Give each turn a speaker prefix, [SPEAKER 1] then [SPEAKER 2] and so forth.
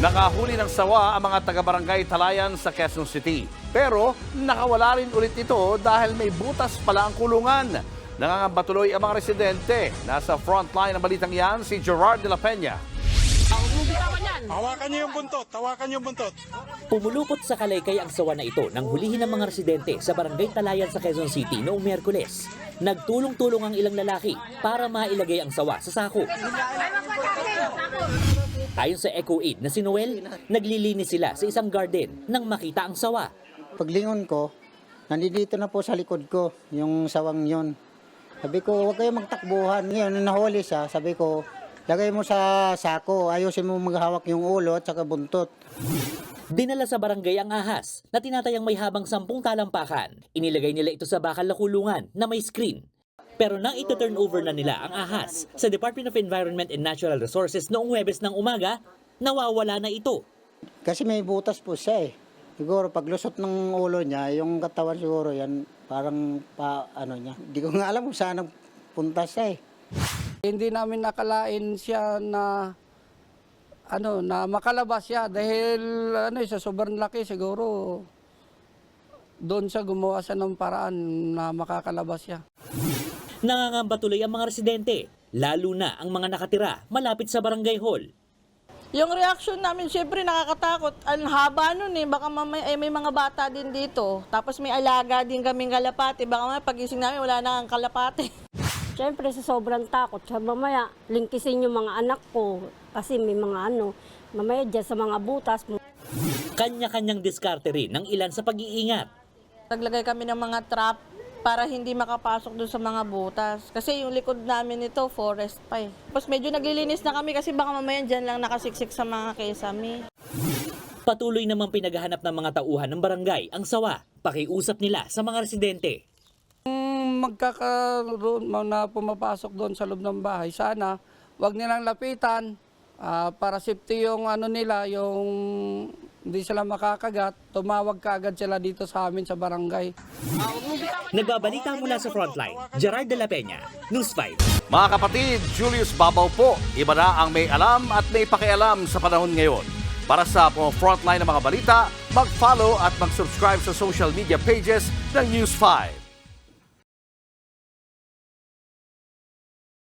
[SPEAKER 1] Nakahuli ng sawa ang mga taga-barangay Talayan sa Quezon City. Pero nakawala rin ulit ito dahil may butas pala ang kulungan. Nangangamba tuloy ang mga residente. Nasa frontline ng balitang yan si Gerard de la Peña.
[SPEAKER 2] Hawakan niyo yung buntot, hawakan niyo yung buntot.
[SPEAKER 3] Pumulupot sa kalaykay ang sawa na ito nang hulihin ng mga residente sa barangay Talayan sa Quezon City noong Miyerkules. Nagtulong-tulong ang ilang lalaki para mailagay ang sawa sa sako. Ayon sa EcoAid na si Noel, naglilinis sila sa isang garden nang makita ang sawa.
[SPEAKER 4] Paglingon ko, nandito na po sa likod ko yung sawang yon. Sabi ko, huwag kayo magtakbuhan. Ngayon, nahuli siya, sabi ko, lagay mo sa sako, ayusin mo maghawak yung ulo at saka buntot.
[SPEAKER 3] Dinala sa barangay ang ahas na tinatayang may habang 10 talampakan. Inilagay nila ito sa bakal na kulungan na may screen. Pero nang ito-turn over na nila ang ahas sa Department of Environment and Natural Resources noong Huwebes ng umaga, nawawala na ito.
[SPEAKER 4] Kasi may butas po siya eh. Siguro paglusot ng ulo niya, yung katawan siguro yan, parang niya. Hindi ko nga alam kung saan nagpunta siya eh.
[SPEAKER 5] Hindi namin nakalain siya na na makalabas siya dahil sa sobrang laki siguro doon siya gumawa siya ng paraan na makakalabas siya.
[SPEAKER 3] Nangangamba tuloy ang mga residente, lalo na ang mga nakatira malapit sa barangay hall.
[SPEAKER 6] Yung reaction namin, syempre nakakatakot. Ang haba nun eh. Baka may mga bata din dito. Tapos may alaga din kaming kalapati. Baka mamaya pagising namin, wala na ang kalapati.
[SPEAKER 7] Siyempre sa sobrang takot, mamaya lingkisin yung mga anak ko. Kasi may mga mamaya dyan sa mga butas.
[SPEAKER 3] Kanya-kanyang diskarte rin ng ilan sa pag-iingat.
[SPEAKER 6] Naglagay kami ng mga trap para hindi makapasok doon sa mga butas. Kasi yung likod namin ito, forest pa eh. Tapos medyo naglilinis na kami kasi baka mamaya dyan lang nakasiksik sa mga kesame.
[SPEAKER 3] Patuloy namang pinaghahanap ng mga tauhan ng barangay ang sawa. Pakiusap nila sa mga residente.
[SPEAKER 5] Magkakaroon na pumapasok doon sa loob ng bahay, sana wag nilang lapitan para safety yung nila, yung hindi sila makakagat, tumawag kaagad sila dito sa amin sa barangay.
[SPEAKER 3] Nagbabalita mula sa frontline, Gerard de la Peña, News 5.
[SPEAKER 1] Mga kapatid, Julius Babaw po. Iba na ang may alam at may pakialam sa panahon ngayon. Para sa frontline ng mga balita, mag-follow at mag-subscribe sa social media pages ng News 5.